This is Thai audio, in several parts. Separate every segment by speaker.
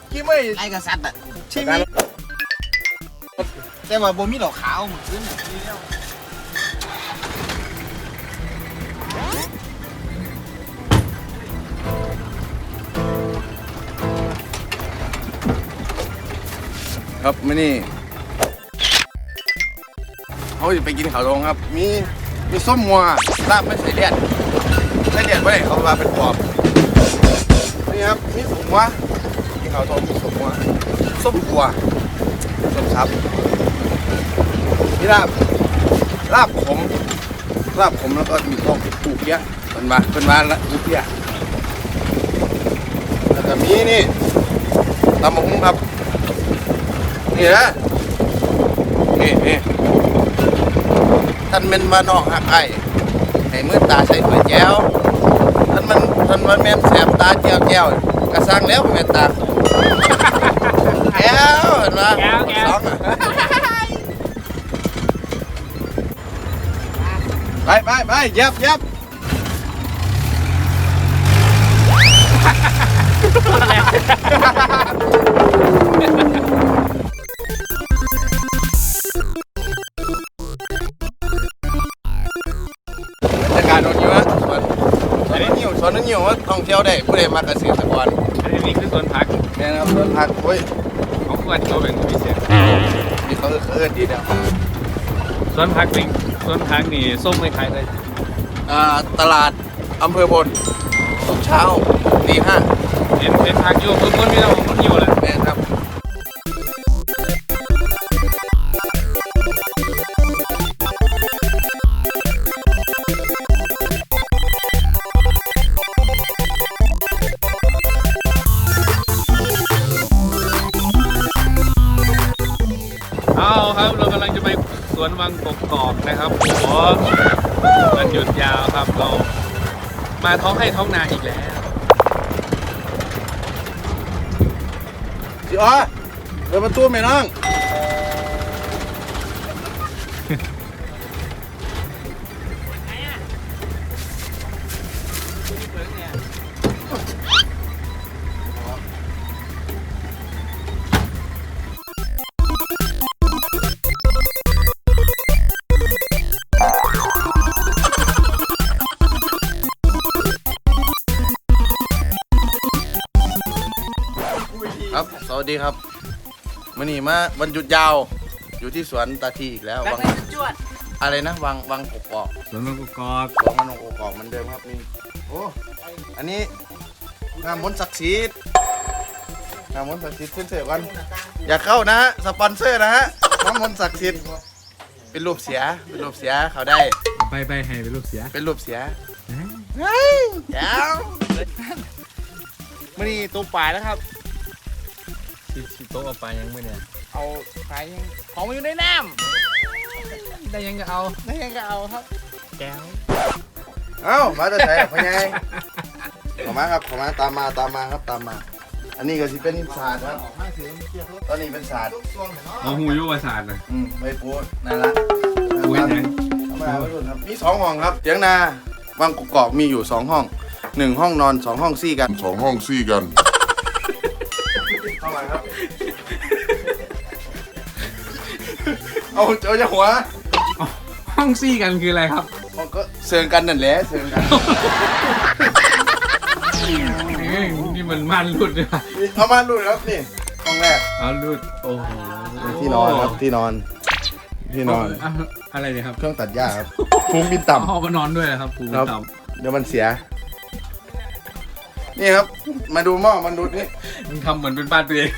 Speaker 1: กี้ไม่
Speaker 2: ไล่กษัตริย์อ่ะ
Speaker 1: ชีวิต
Speaker 2: แต่ว่าบ่มีดอกขาวเหมือนขึ้น
Speaker 1: ครับไม่นี่เขาจะไปกินข้าวตรงครับมีส้มมัวลาบไม่ใส่เลือดไม่ได้เขาว่าเป็นปอบนี่ครับมีสมมัวกินข้าวตรงมีสมมัวส้มกัวส้มซับนี่ลาบผมแล้วก็มีต้มปูเพี้ยเป็นมาแล้วปูเพี้ยแล้วก็มีนี่ตำบักหุ่งครับนี่นะนี่ท่านเป็นมาน้องหักไอ้ให้มือตาใส่ถ้วยแก้วท่านแม่นแสบตาแก้วกระซังแล้วแม่นตาแก้วเห็นไหมสองไปยับการโดนอยู่นะสวนนึงอยู่ว่าท่องเที่ยวได้ผู้ใดมาเกษตรกร
Speaker 3: อันนี้คือสวนพัก
Speaker 1: แน่นะครับสวนผักโอ้ย
Speaker 3: เขาควรเขาเป็นพิเศษ
Speaker 1: นี่เขาเอิ้นดีเดียว
Speaker 3: สวนพักนี่ส้มคล้ายๆเลย
Speaker 1: ตลาดอำเภอบนทุกเช้าตี 5
Speaker 3: เป็นพักอยู่พื้นมีเรามันอยู่แหละ
Speaker 1: แน่ครับ
Speaker 3: เอาครับเรากำลังจะไปสวนวังกกอกนะครับโอ้โหมันหยุดยาวครับเรามาท้องให้ท้องนาอีกแล้ว
Speaker 1: สิอ๋อเปิดประตูไหมน้องครับสวัสดีครับมื่อนี้มาวันหยุดยาวอยู่ที่สวนตาทีอีกแล้ววังอะไรนะวังกกอก
Speaker 3: สวนวังกกอก
Speaker 1: วังมันกกอกเหมือนเดิมครับนี่โอ้อันนี้งามมนต์ศักดิ์สิทธิ์เส้นเสือกันอย่าเข้านะฮะสปอนเซอร์นะฮะน้ำมนต์ศักดิ์สิทธิ์เป็นรูปเสียเขาได้
Speaker 3: ไปให้เป็นลูกเสีย
Speaker 1: เป็นรูปเสียแก้วมื่อนี้ตัวป่าแล้วครับ
Speaker 3: ชิโต๊ะเอาไปยังไม่เนี่ย
Speaker 2: เอาขายยังของมันอยู่ในน้
Speaker 3: ได้ยังก็เอา
Speaker 2: ำนั่นยังก็เอาครับ
Speaker 3: แก้ว
Speaker 1: เอ้ามาจะใส่พ่อใหญ่ขอมาครับขอมาตามมาครับตามมา อันนี้ก็สิเป็นศาสตร์ครับตอนนี้เป็นศาสตร์
Speaker 3: เอาหูยุวศาสตร์นะ
Speaker 1: ไม่พูดนั่นละ
Speaker 3: หูยังไง
Speaker 1: มาไม่รู้ครับมี2ห้องครับเถียงนาวังกกอกมีอยู่2ห้อง1ห้องนอน2ห้องซี่กัน
Speaker 4: 2 ห้องซี่กัน
Speaker 1: เข้ามาครับเอาจะหัว
Speaker 3: ห้องซี่กันคืออะไรครับ
Speaker 1: ก็เซิงกันนั่นแหละเซิงกัน
Speaker 3: นี่มันม่านรุดเลยว่ะ
Speaker 1: เอามาดูครับนี่ห้องแรก
Speaker 3: เอารุดโอ้โห
Speaker 1: ที่นอนครับที่นอน
Speaker 3: อะไรเนี่ยครับ
Speaker 1: เครื่องตัดหญ้าครับฟุ้งบินต่ำ
Speaker 3: เอาก็นอนด้วยนะครับปู
Speaker 1: ครับ
Speaker 3: ต่
Speaker 1: เดี๋ยวมันเสีย นี่ครับ มาดูหม้อมันดูนี่
Speaker 3: ำมันทำเหมือนเป็นบ้านตัวเอง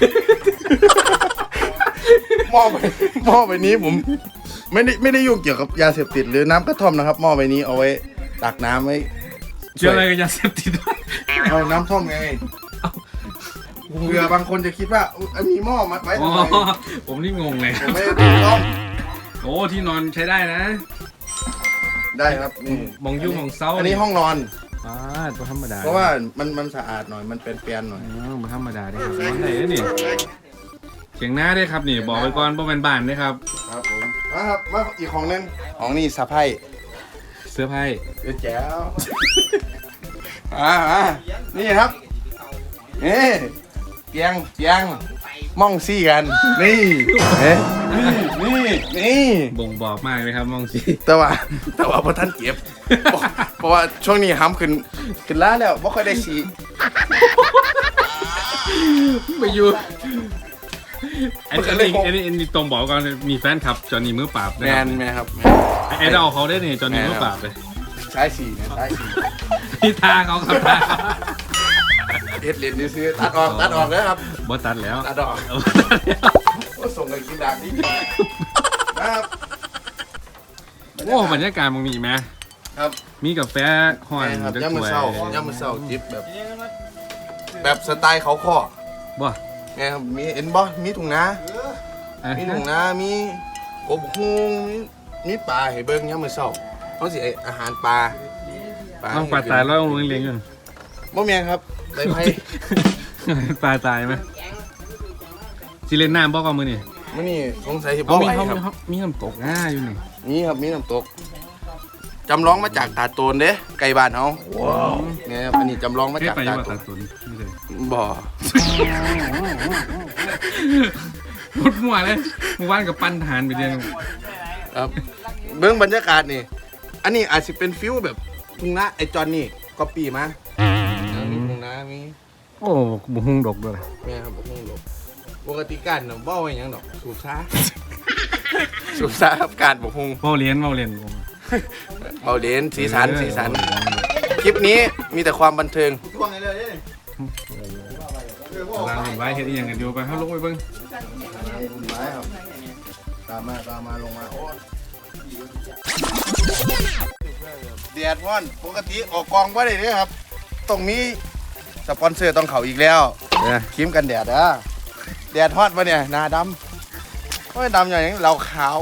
Speaker 1: หม้อใบนี้ผมไม่ได้ยุ่งเกี่ยวกับยาเสพติดหรือน้ำกระท่อมนะครับหม้อใบนี้เอาไว้ตักน้ำไว้
Speaker 3: เชื่ออะไรกับยาเสพติดด้วย
Speaker 1: เอาน้ำท่อมไงเผื่อบางคนจะคิดว่ามีหม้อมาไว้
Speaker 3: อ๋อ
Speaker 1: ทำไม
Speaker 3: ผมนี่งงเลย
Speaker 1: ผมไม่ได้ต้อง
Speaker 3: โอ้ที่นอนใช้ได้นะ
Speaker 1: ได้ครับนี่
Speaker 3: มองยุ่งมองเศร้า
Speaker 1: อันนี้ห้องนอน
Speaker 3: ตัวธรรมดา
Speaker 1: เพราะว่ามันสะอาดหน่อยมันเป็นเปียนหน่อย
Speaker 3: มันธรรมดาได้ครับนอนไหนนี่เสียงหน้าได้ครับนี่บอกไปก่อนว่าเป็นบ้านได้ครับ
Speaker 1: ครับผมมาครับมาอีกของหนึงของนี่สะไพ่
Speaker 3: เสื้อผ้า
Speaker 1: แจ๋วนี่ครับนี่เปียงมองซี่กันนี่เอ๊ะนี่
Speaker 3: บ่งบอกมากเลยครับมองสิ
Speaker 1: แต่ว่าพอท่านเก็บเพราะว่าช่วงนี้ห้ำขึ้นล้าแล้วไม่ค่อยได้สี
Speaker 3: ไปอยู่อันนี้ตรงบอกก่อนมีแฟนคลับจอห์นนี่มือปราบ
Speaker 1: แมนครับ
Speaker 3: ไอ้เราเขาได้เนี่ยจอห์นนี่มือปราบเลย
Speaker 1: ใช้สีนะใช้สี
Speaker 3: ที่ทางเขาครับ
Speaker 1: เอ็ดเลนนี่ซื้อตัดออกแล้วครับ
Speaker 3: บ่ตัดแล้ว
Speaker 1: ตัดออกก็ส่งกันกินดาบนี้นะครับ
Speaker 3: โอ้บรรยากาศมันมีไหม
Speaker 1: ครับ
Speaker 3: มีกาแฟห่อน
Speaker 1: ครับ
Speaker 3: จะ
Speaker 1: ย่ำ
Speaker 3: ส
Speaker 1: มือ
Speaker 3: วย
Speaker 1: เศร้าจิบแบบสไตล์เขาข้อ
Speaker 3: บ่
Speaker 1: ไงครับมีเอ็นบอมีถุงนามีถุงนามีกบฮูงมีปลาให้เบิ้งย่ำมือเศร้าเขาสิอาหารปลา
Speaker 3: ต้องปลาตายแล้วต้องเลี้ยงกัน
Speaker 1: บ่แม่นครับใบไผ่
Speaker 3: ปลาตายไหมสิเล่นน้ำบ่กับมือนี่
Speaker 1: มื้อนี้สงสัยสิ
Speaker 3: เขา
Speaker 1: บ่
Speaker 3: มี
Speaker 1: ไหว
Speaker 3: เขา
Speaker 1: ครับ
Speaker 3: มีน้ำตกง่ายอยู่นี่
Speaker 1: มีครับมีน้ำตกจำลองมาจากตาดโตนเด้ไก่บ้านเฮาว้าวเนี่ยครับอันนี้จำลองมา
Speaker 3: ไม่
Speaker 1: จาก
Speaker 3: ไป
Speaker 1: ตา
Speaker 3: ยัง
Speaker 1: ดโต
Speaker 3: ตาน ตุนไม่เลย
Speaker 1: บ่
Speaker 3: หมดหัวเลยเมื่อวานกับปั้นทหารไปเดียว
Speaker 1: ครับเบื้องบรรยากาศนี่ อันนี้อาจจะเป็นฟิวแบบทุ่งนาไอจอนนี่ก็ปีมามีทุ่งนามี
Speaker 3: โอ้บุ้งดกด้วย
Speaker 1: แม่ครับทุ่งดอกปกติการน่ะบ่ไว้หยังดอกสูบซ่า สูบซ่าครับการบกฮุง
Speaker 3: เมาเรียน
Speaker 1: เบาเลนสีสันคลิปนี้มีแต่ความบันเทิง
Speaker 3: ร้านเห็นไว้เห็นอย่างกันเดียวไปเขาลงไปเบิ้ง
Speaker 1: ไม้ครับตามมาลงมาโอ้แดดร้อนปกติออกกองว่าได้เลยครับต้องมีสปอนเซอร์ต้องเขาอีกแล้วครีมกันแดดนะแดดฮอตปะเนี่ยหน้าดำโอ้ยดำอย่างนี้เราขาว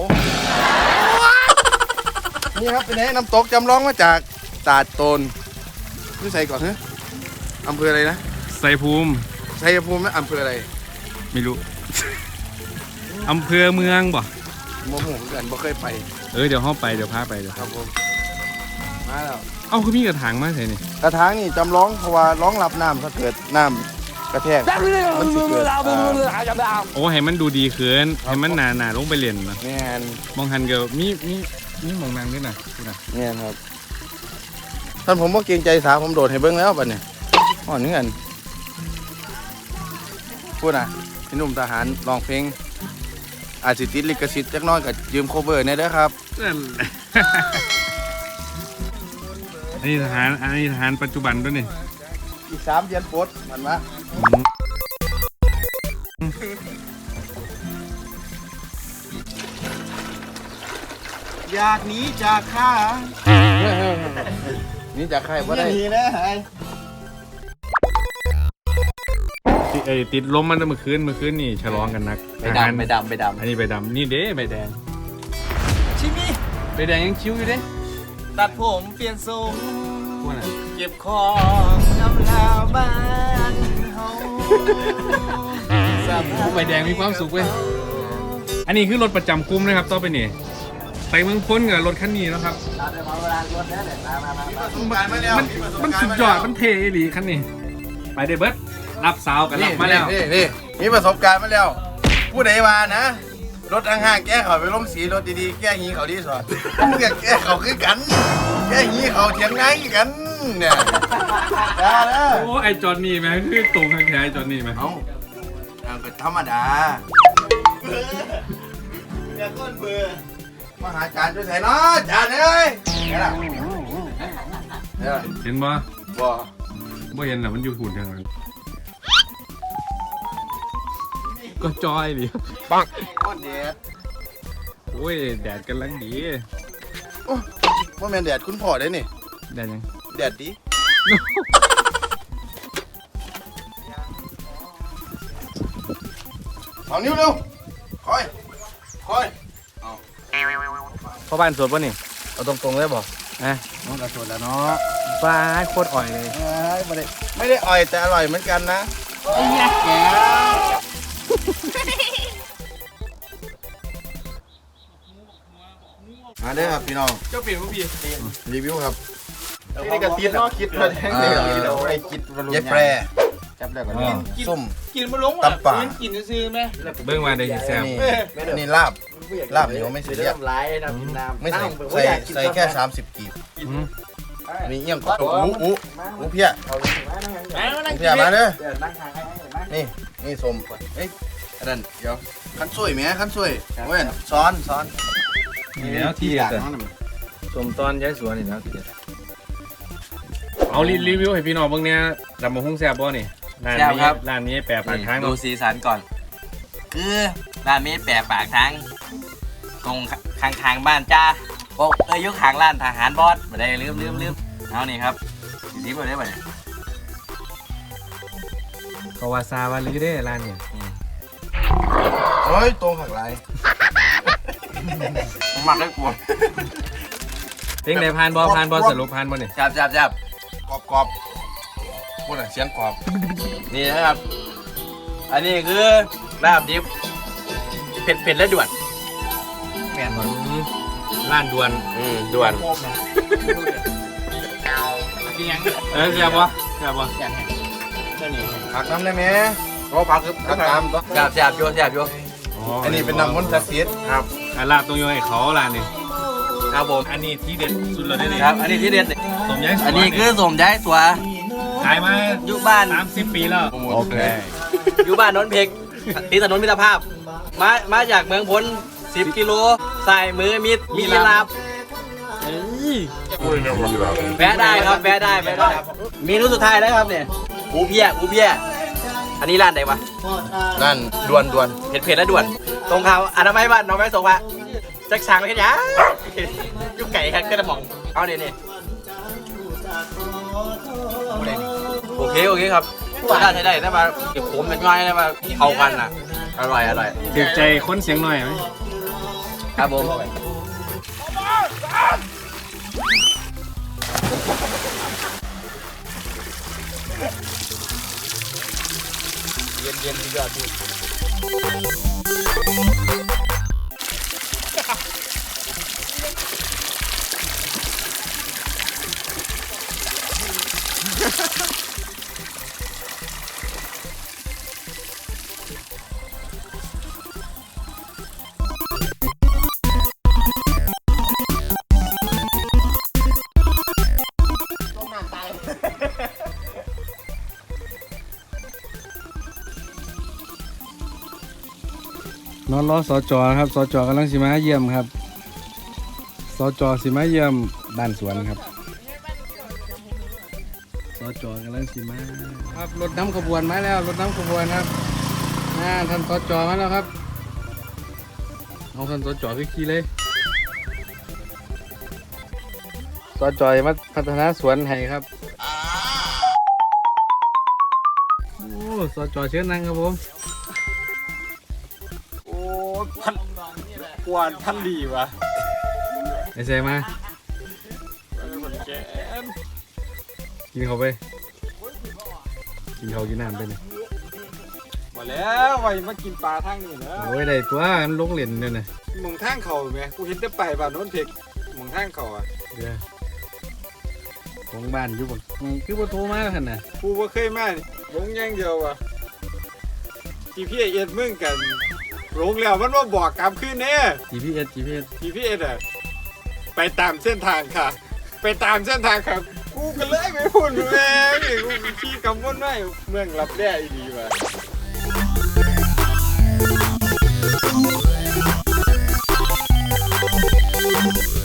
Speaker 1: นี่ครับเป็นไงน้ำตกจำลองมาจากตาดโตนนี่ใส่ก่อนฮะอำเภออะไรนะ
Speaker 3: ใส่ภูมิ
Speaker 1: ชัยภูมินะอำเภออะไร
Speaker 3: ไม่รู้ อำเภอเมืองบ่
Speaker 1: โมโหเหมือนกันบ่เคยไป
Speaker 3: เดี๋ยวห้องไปเดี๋ยวพาไปเดี๋ยว
Speaker 1: ครับผมมาแล้ว
Speaker 3: เอ้าคือมีกระถางมาใส่นี่
Speaker 1: กระถางนี่จำลองเพราะว่าร้องรับน้ำถ้าเกิดน้ำกระแทกมันสิเกิด
Speaker 3: โอ้ให้มันดูดีขึ้นให้มันหนาลงไปเรียนนะ
Speaker 1: แม่น
Speaker 3: มองหันเกลมีมองนางด้วยนะนี่นะ
Speaker 1: แม่นครับท่านผมบ่เกรงใจสาผมโดดให้เบิ่งแล้วบัดนี้อ๋อนี่กันพูดนะพี่หนุ่มทหารร้องเพลงอาจสิติดลิขสิทธิ์จักหน้อยก็ยืมโคเวอร์เนี่ยเด้อครับ
Speaker 3: นั่นแหละ อันนี้ทหารปัจจุบันด้วยนี่
Speaker 1: อีก3 เดือนปลดมันมาอยากหนีจากข้านี่จากใครบ่ได้
Speaker 3: ติดลมมันเมื่อคืนนี่ฉลองกันนัก
Speaker 2: ไปดำ
Speaker 3: อันนี้ใบดำนี่เด้ใบแดง
Speaker 2: ชิมิ
Speaker 3: ใบแดงยังคิ้วอยู่เด้
Speaker 2: ตัดผมเปลี่ยนทรง
Speaker 3: พวกน่ะ
Speaker 2: เก็บของน้ำลาวบ้านเฮา
Speaker 3: พวกใบแดงมีความสุขเว้ยอันนี้คือรถประจำกลุ่มนะครับต่อไปนี่ไปเมืองพ้นกับรถคันนี้แล้วครับมันสุดยอดมันเท่หลีคันนี้ไปเดเบิร์ดรับสาวกันรับมาแล้ว
Speaker 1: นี่มีประสบการณ์มาแล้ว ผู้ใดมานะ รถห่างๆแก้เขาไปลงสีรถดีๆ แก้หีเขาดีสอดแก้เขาคือกัน แก้หีเขาเถียงไงกันเนี่ยได้แล้ว
Speaker 3: โอ้ไอจอนนี่ไหมคือตรงทางแท้ไอจอนนี่ไหม
Speaker 1: เอาก็ธรรมดาเดี๋ยวก้นเบื่อมาหาจานช่วยใส่เนาะจานเอ้ยไงล่ะ
Speaker 3: เห็นบ่
Speaker 1: บ่
Speaker 3: บ่เห็นหรอมันอยู่หุ่นทางนั้นก็จอยดิ
Speaker 1: ปังก้นแดด
Speaker 3: โอ้ยแดดกำลังดี
Speaker 1: ว่าแมนแดดคุณพ่อได้นี่
Speaker 3: แดดยัง
Speaker 1: แดดดีเอานิ้วเร็วคอยเอาพ่อบ้านสดป่ะนี่เอาตรงๆเลยบอกน้องกระสดแล้วเนาะ
Speaker 3: ฟ้าโคตรอ่อยเลย
Speaker 1: ไม่ได้อ่อยแต่อร่อยเหมือนกันนะไอ้ยักษ์แกมาเด้อครับพี่น้อง
Speaker 3: เจ้าเปลี่ยนผู้พี่
Speaker 1: รีวิวครับ
Speaker 2: นี่กระติดเนาะคิดมาแทงเลยเราไอ้คิด
Speaker 1: เย็บแปรจับได้ก่อนส้ม
Speaker 2: กินมาลง
Speaker 1: ตำป่า
Speaker 2: กินซื้อไหม
Speaker 3: เบิ่งมาได้สิแซ่บ
Speaker 1: นี่ลาบเหนียวไม่เสียเรียบ
Speaker 2: น้ำลายน้ำกินน้ำ
Speaker 1: ไม่ใส่แค่30กีบนี่เอี่ยงก็หมูเพี้ยมาเด้อนี่ส้มเอ้ยอันนั้นเดี๋ยวขั้นสวยไหมขั้นสวยเว้ยซ้อน
Speaker 3: นี่แล้วที่เด็ดสมตอนย้ายสวนนี่แล้วที่เด็ดเอารีวิวให้พี่น้องเบิ่งเนี่ยดำมะฮุ่งแซ่บบ่นี่ร้านนี้แปะปากทาง
Speaker 2: ดูสีสันก่อน คือร้านนี้แปะปากทางตรงข้างบ้านจ้าโอ้ยุคข้างร้านทหารบอสมาได้ลืมเอานี่ครับสีบ่ได้บ่
Speaker 3: ก็ว่าซาว่าลือได้ร้านเนี่ย
Speaker 1: เฮ้ยตรงหักลาย
Speaker 2: หมักได้กลัว
Speaker 3: เพลงไหนผ่านบอสรุปผ่านบ่นี่
Speaker 2: จับ
Speaker 1: กรอบพูดหน่อยเสียงกรอบ
Speaker 2: นี่นะครับ อันนี้คือลาบดิบเผ็ดและด่วนแม่นบ่
Speaker 3: ร้านด่วน
Speaker 2: ด่วน
Speaker 3: แซ่บบ่
Speaker 1: ผักน้ำได้ไหมก็ผักคือผักตามตัว
Speaker 2: จับโย
Speaker 1: อันนี้เป็นน้ำมันต์ศักดิ์สิทธิ์
Speaker 3: ครับลาบตรงโยให้เขาร้านนี่
Speaker 2: ครับผม
Speaker 3: อันนี้ที่เด็ดสุดเลยนี่
Speaker 2: ครับ อันนี้ที่เด็ด
Speaker 3: สมย้ายสวน
Speaker 2: อันนี้คือสมย้ายสัว
Speaker 3: ขายมา
Speaker 2: อยู่บ้าน
Speaker 3: 30 ปีแล้ว
Speaker 1: โอเค
Speaker 2: อยู่บ้านนนท์เพกตีถนนมิตรภาพ มาจากเมืองพ้น10 กิโลใส่มือมีลาบแวะได้ครับแวะได้เมนูสุดท้ายแล้วครับเนี่ยอูเพียอันนี้ร้านไหนวะ
Speaker 1: นั่นด่วน
Speaker 2: เผ็ดและด่วน ตรงเขาอนามัยบ้านน้องไม้ส่งมาจักช้างไปแค่นี้ยุกไก่ครับก็จะมองเอาเนี่ยโอเคครับใช้ได้ถ้ามาเก็บผมเป็นง่ายได้มาเข้ากันอ่ะอร่อย
Speaker 3: ถึกใจค้นเสียงหน่อยไหม
Speaker 2: ครับผมเย็นยอดพี่
Speaker 3: นอนรอสจครับสจกำลังสิมาเยี่ยมครับสจสิมาเยี่ยมบ้านสวนครับสจกำลังสิมาครับรถน้ำขบวนมาแล้วรถน้ำขบวนครับท่านสจมาแล้วครับเอาท่านสจขึ้นขี่เลยสจมาพัฒนาสวนให้ครับโอ้สจเชิญนั่งครับผม
Speaker 2: กวนท่านดีวะ
Speaker 3: ไอ้เซมากินเขาไปกินเขากินน้ำไปเนี่ย
Speaker 4: มาแล้วไว้มากินปลาทางนี้นะ
Speaker 3: โอ้ยได้ตัวมันลงเหรียญเนี่ยนะ
Speaker 4: หมองทางเขาไหมกูเห็นแต่ไปบ้านโน้นเพกหมองทางเขาอ่ะ
Speaker 3: เดี๋ยวของบ้านอยู่บ่คือบ่โทรมาขนาด
Speaker 4: กูว่าเคยมานี่ลงอย่างเดียวอ่ะGPS มึงกันลงแล้วมันว่าบอกกลับขึ้นแน่
Speaker 3: GPS
Speaker 4: GPS อ่ะไปตามเส้นทางค่ะ ไปตามเส้นทางครับกูก็เลยไม่พูดแม่งกูขี่กำมดไม่เมืองรับแร่อีดีว่ะ